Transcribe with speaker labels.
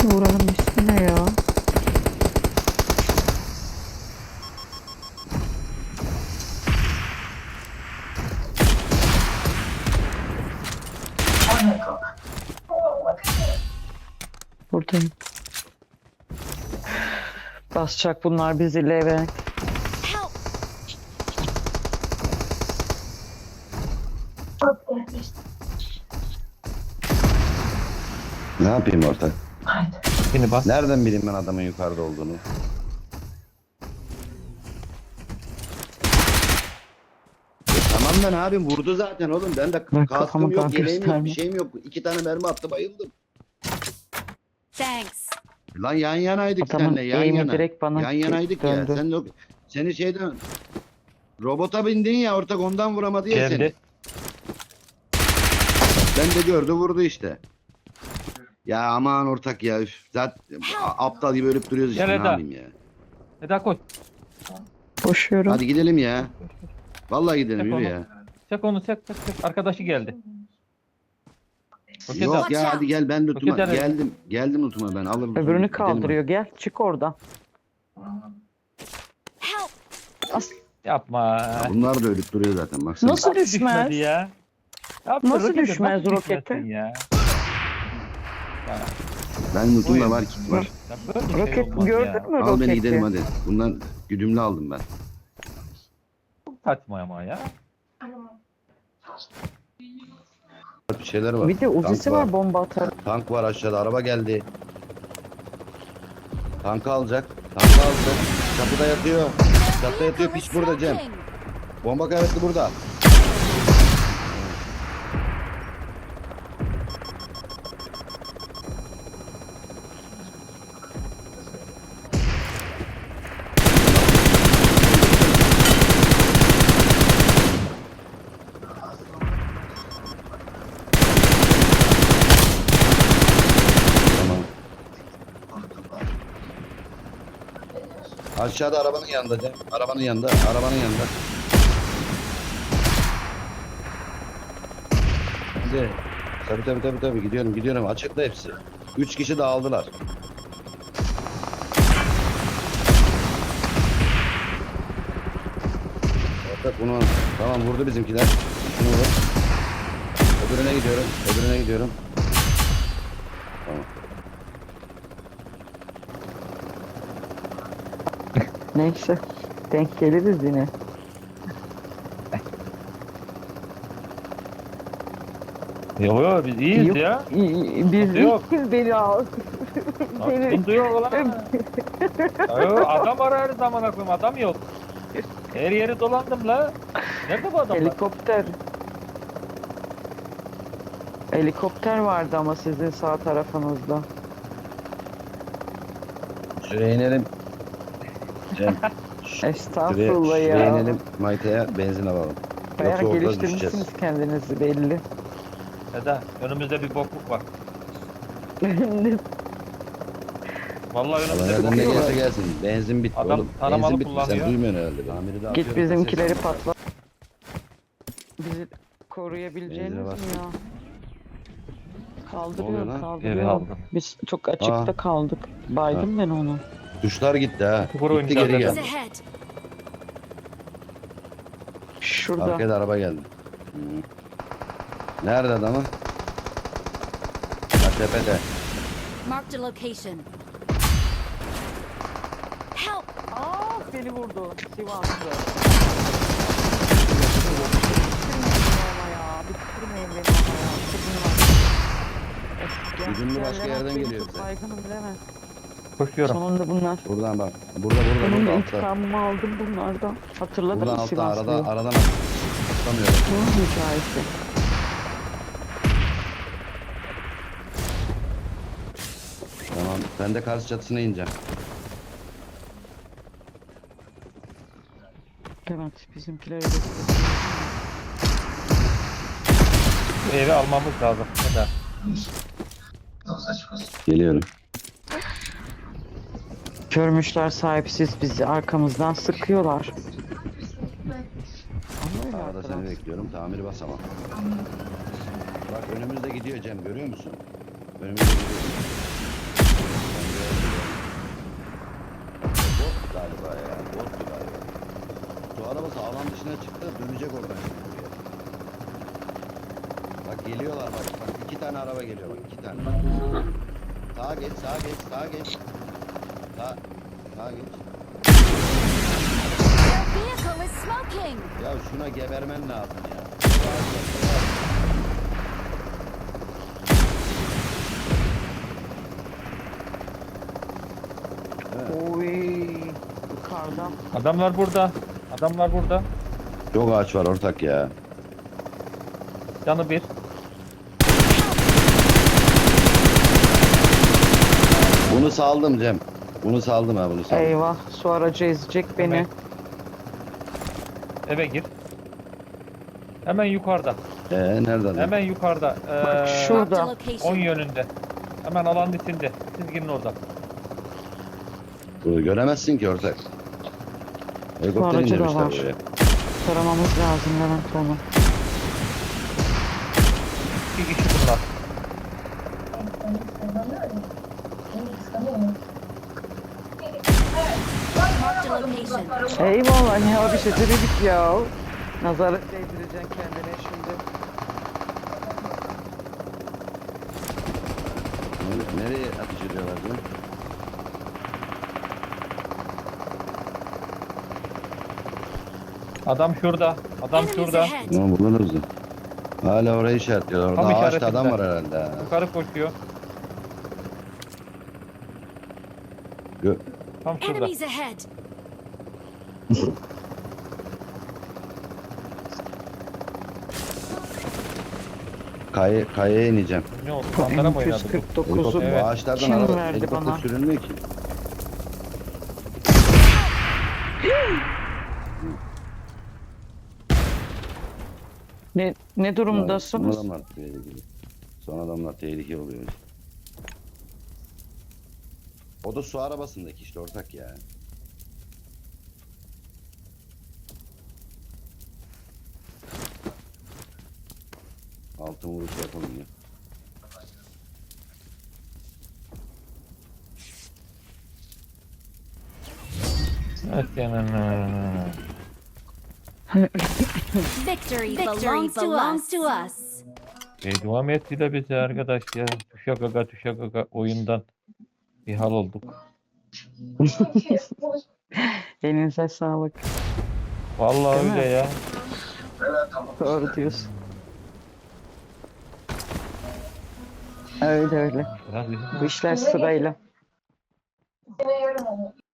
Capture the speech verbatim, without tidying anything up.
Speaker 1: Buranın ismi ne ya? Buradayım. Basacak bunlar bizi Levent.
Speaker 2: Ne yapayım ortak?
Speaker 3: Yine bas.
Speaker 2: Nereden bileyim ben adamın yukarıda olduğunu? E tamam da ne yapayım, vurdu zaten oğlum. Ben de
Speaker 1: Ben
Speaker 2: kaskım
Speaker 1: kafamı
Speaker 2: yok,
Speaker 1: daha
Speaker 2: yeleğim yok, bir
Speaker 1: gösterme.
Speaker 2: şeyim yok. İki tane mermi attı, bayıldım.
Speaker 4: Thanks.
Speaker 2: Lan yan yanaydık
Speaker 1: Adamın
Speaker 2: seninle, yan
Speaker 1: eğimi
Speaker 2: yana.
Speaker 1: direkt bana
Speaker 2: Yan yanaydık ya.
Speaker 1: döndü.
Speaker 2: Sen de o- seni şeyden robota bindin ya ortak, ondan vuramadı ya seni.
Speaker 3: Geldi.
Speaker 2: Ben de gördü, vurdu işte. Ya aman ortak ya. Üf, zaten a- aptal gibi ölüp duruyoruz işte,
Speaker 3: Gel
Speaker 2: ne
Speaker 3: Eda.
Speaker 2: yapayım ya.
Speaker 3: Eda koş.
Speaker 1: Koşuyorum.
Speaker 2: Hadi gidelim ya. Vallahi gidelim,
Speaker 3: Çek
Speaker 2: yürü
Speaker 3: onu.
Speaker 2: ya.
Speaker 3: Çek onu çek çek çek. Arkadaşı geldi. Roket
Speaker 2: Yok
Speaker 3: at.
Speaker 2: ya, hadi gel, ben lootuma
Speaker 3: Roket at.
Speaker 2: geldim. Geldim lootuma, ben alırım.
Speaker 1: Öbürünü
Speaker 2: Gidelim
Speaker 1: kaldırıyor. Gel çık oradan.
Speaker 4: Help.
Speaker 1: As
Speaker 3: Yapma.
Speaker 2: hadi. Bunlar da ölüp duruyor zaten, baksana.
Speaker 1: Nasıl
Speaker 3: Nasıl
Speaker 1: düşmez?
Speaker 3: düşmedi ya? Yapma,
Speaker 1: Nasıl
Speaker 3: rokete,
Speaker 1: düşmez
Speaker 3: nasıl
Speaker 1: rokete?
Speaker 3: düşmesin Ya.
Speaker 2: Ben lootumda
Speaker 3: Buyur.
Speaker 2: var, kit var.
Speaker 3: Ya böyle bir şey
Speaker 1: Roket
Speaker 3: olmaz
Speaker 1: gördün
Speaker 3: ya.
Speaker 1: mü
Speaker 2: Al
Speaker 1: roketi?
Speaker 2: beni gidelim hadi. Bundan güdümlü aldım ben.
Speaker 3: Saçma ama ya.
Speaker 2: Bir şeyler var.
Speaker 1: Bir de uzisi
Speaker 2: Tank
Speaker 1: var bomba atar.
Speaker 2: Tank var aşağıda, araba geldi. Tankı alacak. Tankı alacak. Kapıda yatıyor. Çatıda yatıyor, piç burada Cem.
Speaker 4: Smoking.
Speaker 2: Bomba kaybetti burada. Tamam. Aşağıda arabanın yanında Cem. Arabanın yanında. Arabanın yanında. Hadi. Tabii tabii tabii tabii gidiyorum gidiyorum, açıkta hepsi. Üç kişi dağıldılar. Ortak bunu, tamam vurdu bizimkiler. Şunu vur. Öbürüne gidiyorum. Öbürüne gidiyorum. Tamam.
Speaker 1: Neyse. Denk geliriz yine.
Speaker 3: Yok yok biz iyiyiz
Speaker 1: Yok,
Speaker 3: ya.
Speaker 1: i- i- Biz
Speaker 3: Sıkıntı yok.
Speaker 1: iyiyiz, beni al. Beni-
Speaker 3: Sıkıntı yok ulan. Yo, adam ararız amına koyayım, adam yok. Her yeri dolandım la. Nerede bu adamlar?
Speaker 1: Helikopter. Helikopter vardı ama sizin sağ tarafınızda.
Speaker 2: Şuraya inelim. Cem. Şuraya,
Speaker 1: Estağfurullah
Speaker 2: şuraya
Speaker 1: ya.
Speaker 2: inelim. Mayta'ya benzin alalım.
Speaker 1: Bayağı
Speaker 2: Yoksa orada
Speaker 1: geliştirmişsiniz
Speaker 2: düşeceğiz.
Speaker 1: kendinizi belli.
Speaker 3: Eda önümüzde bir bokluk var. Vallahi
Speaker 2: Allah
Speaker 3: önümüzde bir
Speaker 2: nereden ne
Speaker 3: bokluk var.
Speaker 2: gelirse gelsin. Benzin bitti
Speaker 3: Adam
Speaker 2: oğlum.
Speaker 3: taramalı
Speaker 2: Benzin bitti. Sen
Speaker 3: kullanıyor.
Speaker 2: duymuyorsun herhalde. Tamiri de
Speaker 1: Git
Speaker 2: atıyorum,
Speaker 1: bizimkileri
Speaker 2: ses almıyor.
Speaker 1: patla. Bizi koruyabileceğiniz
Speaker 2: Benzine
Speaker 1: mi
Speaker 2: bas.
Speaker 1: ya?
Speaker 2: Ne oluyor
Speaker 1: Kaldırıyor,
Speaker 2: lan?
Speaker 3: Evi
Speaker 1: kaldırıyor.
Speaker 3: aldım.
Speaker 1: Biz çok açıkta
Speaker 2: Aa.
Speaker 1: kaldık. Baydım ben onu.
Speaker 2: Tuşlar gitti ha.
Speaker 3: Çukur
Speaker 2: Gitti
Speaker 3: oynayacağız
Speaker 2: geri
Speaker 3: zaten.
Speaker 2: geldi.
Speaker 4: Ahead.
Speaker 1: Şurada.
Speaker 2: Arkaya da araba geldi. Hı. Nerede adamı? Ha, tepede.
Speaker 4: Marked a location. Help.
Speaker 1: Aa seni vurdu. Sivaslı. Ama ya. Bitirmeyin beni ama ya. Bitirmeyin.
Speaker 2: Güdümlü başka yerden
Speaker 1: Benim
Speaker 2: geliyor
Speaker 1: çok
Speaker 2: bize.
Speaker 1: Baygınım bilemez.
Speaker 3: Koşuyorum.
Speaker 1: Sonunda bunlar.
Speaker 2: Buradan bak. Burada burada
Speaker 1: Benim
Speaker 2: burada
Speaker 1: de
Speaker 2: altta.
Speaker 1: intikamımı aldım bunlardan. Hatırladın
Speaker 2: Buradan
Speaker 1: mı
Speaker 2: altta,
Speaker 1: Sivaslı'yı?
Speaker 2: aradan aradan atlamıyorum.
Speaker 1: Bunun hikayesi.
Speaker 2: Tamam. Ben de karşı çatısına ineceğim.
Speaker 1: Evet bizimkileri gösteriyor.
Speaker 3: Bu evi almamız lazım. Eda.
Speaker 2: Geliyorum.
Speaker 1: Görmüşler sahipsiz bizi arkamızdan sıkıyorlar. Ama öyle
Speaker 2: Arada seni
Speaker 1: arkadaş.
Speaker 2: bekliyorum. Tamiri basamam. Bak önümüzde gidiyor Cem, görüyor musun? Önümüzde gidiyor. Geliyorlar bak. Bak iki tane araba geliyor bak. iki tane. Sağa geç, sağa geç, sağa geç. Sağ, sağa geç.
Speaker 4: Their vehicle is smoking.
Speaker 2: Ya şuna gebermen lazım ya. Evet.
Speaker 1: Oy. Yukarıda.
Speaker 3: Adamlar burada. Adamlar burada.
Speaker 2: Çok ağaç var ortak ya.
Speaker 3: Canı bir.
Speaker 2: Bunu saldım Cem. Bunu saldım ha bunu saldım.
Speaker 1: Eyvah. Su aracı ezecek beni.
Speaker 3: Evet. Eve gir. Hemen yukarıda.
Speaker 2: Ee nerede adam?
Speaker 3: Hemen yukarıda. Ee,
Speaker 1: Bak
Speaker 4: Marked a
Speaker 1: şurada.
Speaker 3: on
Speaker 4: location.
Speaker 3: yönünde. Hemen alanın içinde. Siz girin orada.
Speaker 2: Bunu göremezsin ki ortak. Helikopter
Speaker 1: aracı da
Speaker 2: indirmişler
Speaker 1: var.
Speaker 2: buraya.
Speaker 1: Taramamız lazım Levent onu.
Speaker 3: İki kişi bunlar.
Speaker 4: Marked a location.
Speaker 1: Eyvallah ya bir şey dedik ya. Nazarlık değdireceksin kendine şimdi.
Speaker 2: Nere- Nereye ateş ediyorlar Cem?
Speaker 3: Adam şurada. Adam
Speaker 4: Enemies
Speaker 3: şurada.
Speaker 4: ahead.
Speaker 2: Tamam bulunuruz da. Hala orayı işaretliyorlar.
Speaker 3: Tam
Speaker 2: Orada ağaçta
Speaker 3: işaretinde.
Speaker 2: adam var herhalde. ha.
Speaker 3: Yukarı koşuyor.
Speaker 2: Gö-
Speaker 3: Tam şurada.
Speaker 4: Enemies ahead.
Speaker 2: Kay kayaya ineceğim.
Speaker 3: Ne oldu? Sandara mı oynadı bu?
Speaker 1: M iki yüz kırk dokuzu
Speaker 2: Helikopter,
Speaker 3: Evet.
Speaker 2: Bu ağaçlardan
Speaker 1: Kim
Speaker 2: araba,
Speaker 1: verdi
Speaker 2: helikopter
Speaker 1: bana?
Speaker 2: sürülmüyor ki.
Speaker 1: Ne, ne
Speaker 2: Son
Speaker 1: durumdasınız?
Speaker 2: adamlar tehlikeli. Son adamlar tehlikeli oluyor. O da su arabasındaki işte ortak ya. Altın vuruş yapalım ya.
Speaker 3: Evet yani.
Speaker 4: Victory, belongs, belongs to us.
Speaker 3: Beddua mı ettiler bize arkadaş ya? Tuşa gaga tuşa gaga oyundan bir hal olduk.
Speaker 1: Elinize sağlık.
Speaker 3: Vallahi
Speaker 1: Değil mi?
Speaker 3: öyle ya.
Speaker 1: Doğru diyorsun. Öyle öyle.
Speaker 3: Biraz bizim
Speaker 1: Bu işler sırayla.